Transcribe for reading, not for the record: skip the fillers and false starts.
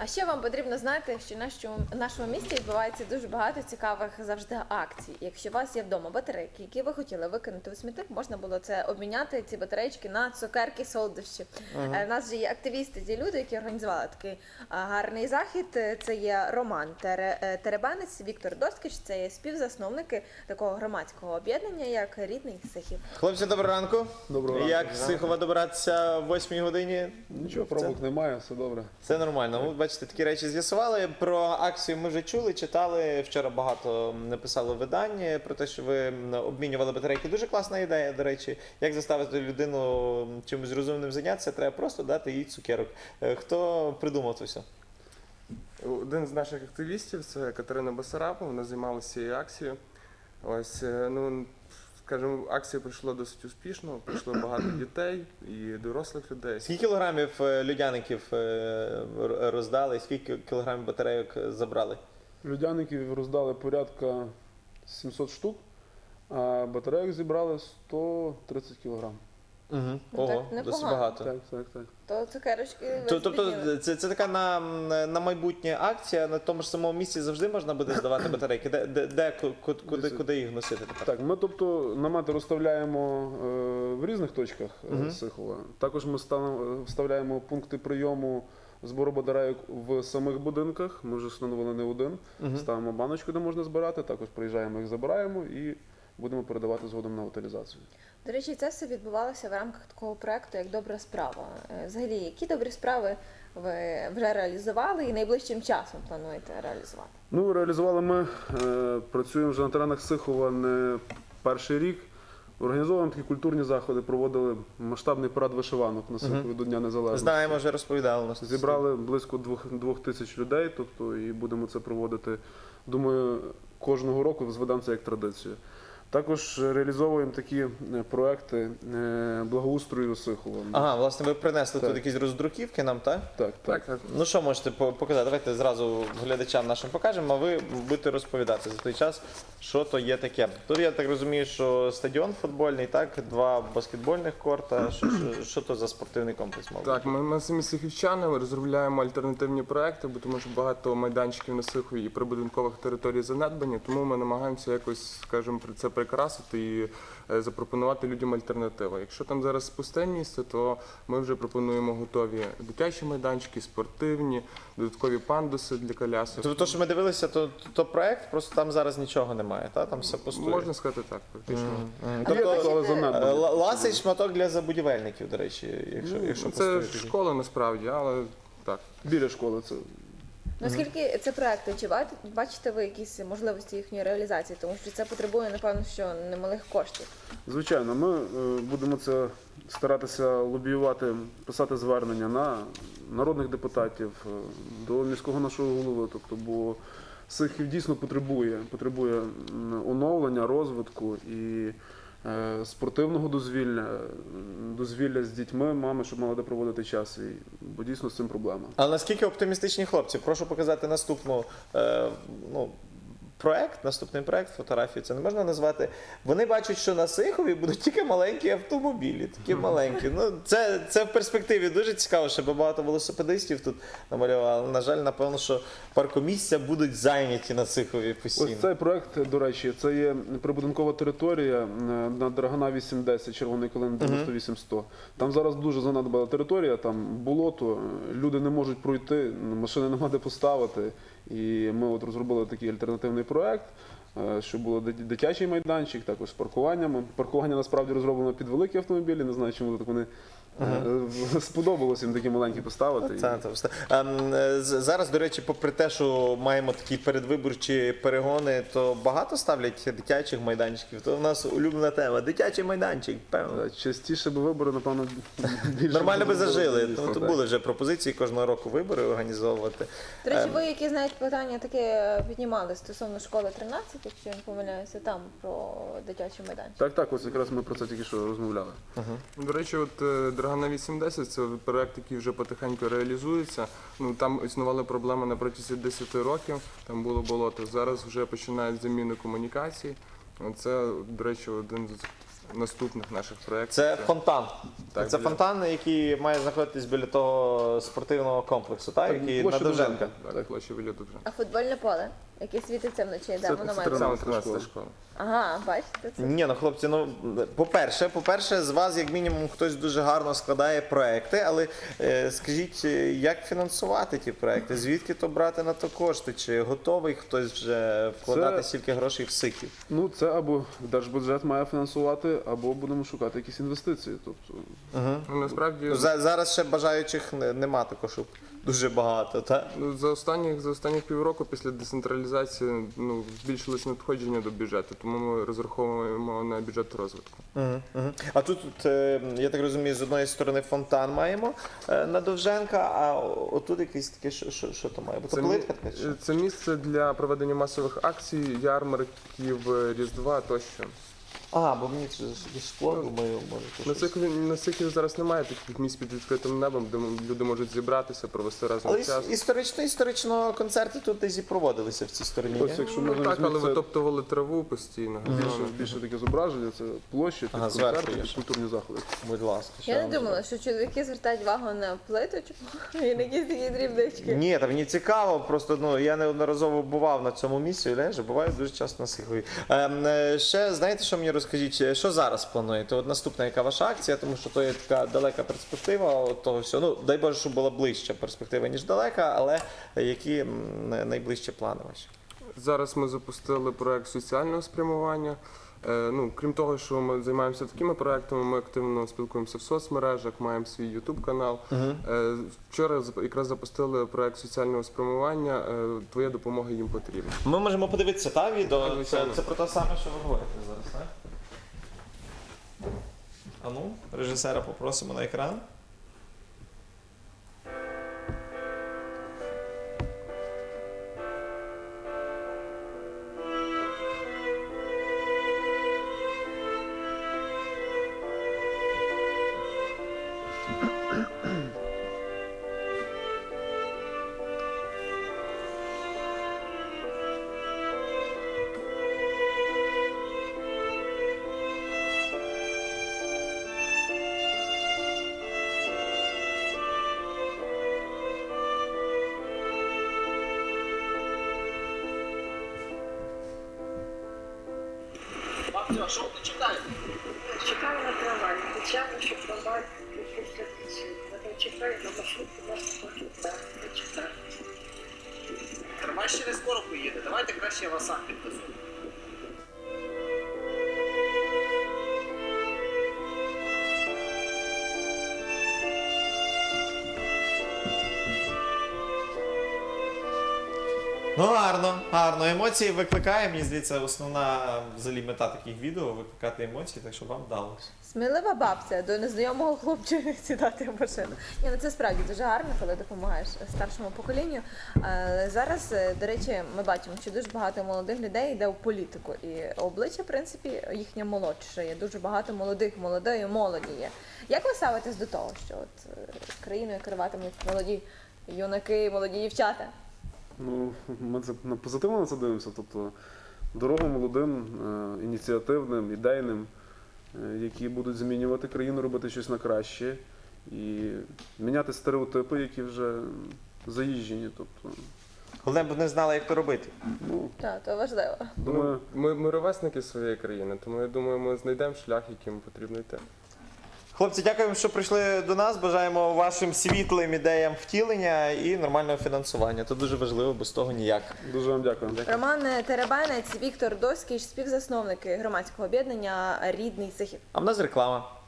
А ще вам потрібно знати, що в нашому місті відбувається дуже багато цікавих завжди акцій. Якщо у вас є вдома батарейки, які ви хотіли викинути у смітник, можна було це обміняти, ці батарейки, на цукерки, солодощі. У нас же є активісти, ті люди, які організували такий гарний захід. Це є Роман Теребенець, Віктор Доскіч, це є співзасновники такого громадського об'єднання, як Рідний Сихів. Хлопці, доброго ранку. Доброго ранку. Як з Сихова добиратися о 8-й годині? Нічого, пробок немає, все добре. Це нормально. Ви бачите, такі речі з'ясували. Про акцію ми вже чули, читали. Вчора багато написало видань про те, що ви обмінювали батарейки. Дуже класна ідея, до речі. Як заставити людину чимось розумним зайнятися, треба просто дати їй цукерок. Хто придумав це все? Один з наших активістів, це Катерина Басарапова, вона займалася цією акцією. Ось, ну, скажімо, акція пройшла досить успішно, прийшло багато дітей і дорослих людей. Скільки кілограмів людяників роздали, скільки кілограмів батарейок забрали? Людяників роздали порядка 700 штук, а батарейок зібрали 130 кілограм. Ого, Так, досить непогано. багато. Так. То цукерочки ви Тобто збідніли. це така на майбутнє акція, на тому ж самому місці завжди можна буде здавати батарейки? Куди їх носити тепер? Так, ми тобто намети розставляємо в різних точках Сихова. Також ми вставляємо пункти прийому збору батарейок в самих будинках. Ми вже встановили не один. Ставимо баночку, де можна збирати, також приїжджаємо, їх забираємо і будемо передавати згодом на утилізацію. До речі, це все відбувалося в рамках такого проекту, як «Добра справа». Взагалі, які добрі справи ви вже реалізували і найближчим часом плануєте реалізувати? Ну, реалізували ми, працюємо вже на теренах Сихова не перший рік. Організовуємо такі культурні заходи, проводили масштабний парад вишиванок на Сихові до Дня Незалежності. Знаємо, вже розповідали нас. Зібрали близько 2000 людей, тобто і будемо це проводити, думаю, кожного року зведемо це як традицію. Також реалізовуємо такі проекти благоустрою Сихова. Ага, власне, ви принесли Так. тут якісь роздруківки нам, так? Так. Ну що можете показати? Давайте зразу глядачам нашим покажемо, а ви будете розповідати за той час, що то є таке. Тут я так розумію, що стадіон футбольний, так? 2 баскетбольних корта. Що то за спортивний комплекс, мабуть? Так, ми самі сихівчани розробляємо альтернативні проекти, бо тому що багато майданчиків на Сихові і прибудинкових територій занедбані, тому ми намагаємося якось, скажімо, це прикрасити і запропонувати людям альтернативу. Якщо там зараз пусте місце, то ми вже пропонуємо готові дитячі майданчики, спортивні, додаткові пандуси для колясок. Тобто, що ми дивилися, то проект, просто там зараз нічого немає, так? Там все пустує. Можна сказати так, практично. Тобто, Але занадто. ласий шматок для забудівельників, до речі, якщо Це пустує. школа насправді, але так. Біля школи це. Наскільки це проекти? Чи бачите ви якісь можливості їхньої реалізації? Тому що це потребує, напевно, що немалих коштів. Звичайно, ми будемо це старатися лобіювати, писати звернення на народних депутатів, до міського нашого голови, тобто, бо Сихів дійсно потребує оновлення, розвитку і спортивного дозвілля з дітьми, мами, щоб мали де проводити час, бо дійсно з цим проблема. А наскільки оптимістичні хлопці? Прошу показати наступний проект, фотографію це не можна назвати. Вони бачать, що на Сихові будуть тільки маленькі автомобілі, такі маленькі. Ну, це в перспективі дуже цікаво, щоб багато велосипедистів тут намалювали. На жаль, напевно, що паркомісця будуть зайняті на Сихові постійно. Ось цей проект, до речі, це є прибудинкова територія на Драгана 810, Червоний Калин 98-100. Там зараз дуже занадбала територія, там болото, люди не можуть пройти, машини нема де поставити. І ми от розробили такий альтернативний проект, щоб було дитячий майданчик, також з паркуваннями. Паркування насправді розроблено під великі автомобілі, не знаю, чому так вони сподобалось їм такі маленькі поставити. Зараз, до речі, попри те, що маємо такі передвиборчі перегони, то багато ставлять дитячих майданчиків. То в нас улюблена тема – дитячий майданчик, певно. Частіше би вибори, напевно, більше. Нормально би зажили. Дійсно, Тут були вже пропозиції кожного року вибори організовувати. До речі, ви, які знають питання, таке піднімали стосовно школи 13, якщо я не помиляюся, там про дитячий майданчик. Так, ось якраз ми про це тільки що розмовляли. До речі, от Драгана 810 – це проект, який вже потихеньку реалізується. Ну, там існували проблеми на протязі 10 років, там було болото. Зараз вже починають заміну комунікацій. Це, до речі, один з наступних наших проєктів. Це фонтан. Так, Це біля- фонтан, який має знаходитись біля того спортивного комплексу, так? Так, Який на площа Довженка. Довженка. Так, площа біля Довженка. А футбольне поле, яке світиться вночі, де Це воно має бути? Саме 13-та 13 школа. Ага, бачите це? Ні, ну хлопці, ну по-перше, з вас як мінімум хтось дуже гарно складає проекти, але скажіть, як фінансувати ті проекти? Звідки то брати на то кошти? Чи готовий хтось вже вкладати Це- стільки грошей в сиків? Ну, це або держбюджет має фінансувати, або будемо шукати якісь інвестиції. Тобто, Ну, насправді, Ну, зараз ще бажаючих нема також дуже багато, так? ну, за останніх півроку після децентралізації збільшилось надходження до бюджету, тому ми розраховуємо на бюджет розвитку. А тут, я так розумію, з одної сторони фонтан маємо на Довженка, а отут якийсь таке, що то має бути? Плитка така? чи що? Це місце для проведення масових акцій, ярмарків, Різдва тощо. Бо мені це скло, думаю, може. На Сихові зараз немає таких місць під відкритим небом, де люди можуть зібратися, провести разом Але час. історично концерти тут десь і проводилися в цій стороні. ось ні? якщо Ну, можна так, але візьміть, це витоптували траву постійно. більше таке зображення, це площі, під зверху концерти, є під ще. культурні заходи. Будь ласка. що Я не вам думала, що чоловіки звертають увагу на плиточку і на якісь такі дрібнички. Ні, та мені цікаво, просто я неодноразово бував на цьому місці, уявляєш, буваю дуже часто на Сихові. Ще знаєте, що мені розкажіть, що зараз плануєте? От наступна яка ваша акція, тому що то є така далека перспектива от того всього. Ну, дай Боже, щоб була ближча перспектива, ніж далека, але які найближчі плани ваші? Зараз ми запустили проект соціального спрямування. Крім того, що ми займаємося такими проектами, ми активно спілкуємося в соцмережах, маємо свій YouTube канал. Вчора якраз запустили проект соціального спрямування. Твоя допомога їм потрібна. Ми можемо подивитися та відео. Так, звичайно. Це про те саме, що ви говорите зараз, так? А ну, режисера попросимо на екран. Бабцю, а що ви читаєте? Чекаю на трамвай. Спеціально, щоб трамвай після ключі. Я чекаю на маршрутку, нас хочу. Я чекаю. Трамвай ще не скоро поїде. Давайте краще я вас сам підвезу. Ну, гарно. Емоції викликає. Мені здається, основна взагалі мета таких відео викликати емоції, так що вам вдалося. Смілива бабця до незнайомого хлопчика сідати в машину. Ні, ну це справді дуже гарно, коли допомагаєш старшому поколінню. Але зараз, до речі, ми бачимо, що дуже багато молодих людей йде у політику. І обличчя, в принципі, їхнє молодше. Є дуже багато молодої молоді є. Як ви ставитесь до того, що от країною керуватимуть молоді юнаки, молоді дівчата? Ну, ми це позитивно на це дивимося. Тобто дорогу молодим, ініціативним, ідейним, які будуть змінювати країну, робити щось на краще і міняти стереотипи, які вже заїжджені. Тобто, Головне, б вони знали, як то робити. ну, Так, то важливо. думаю, Ми ровесники своєї країни, тому я думаю, ми знайдемо шлях, яким потрібно йти. Хлопці, дякуємо, що прийшли до нас. Бажаємо вашим світлим ідеям втілення і нормального фінансування. Це дуже важливо, без того ніяк. дуже вам дякую. Роман Теребенець, Віктор Доськіч, співзасновники громадського об'єднання «Рідний Сихів». А в нас реклама.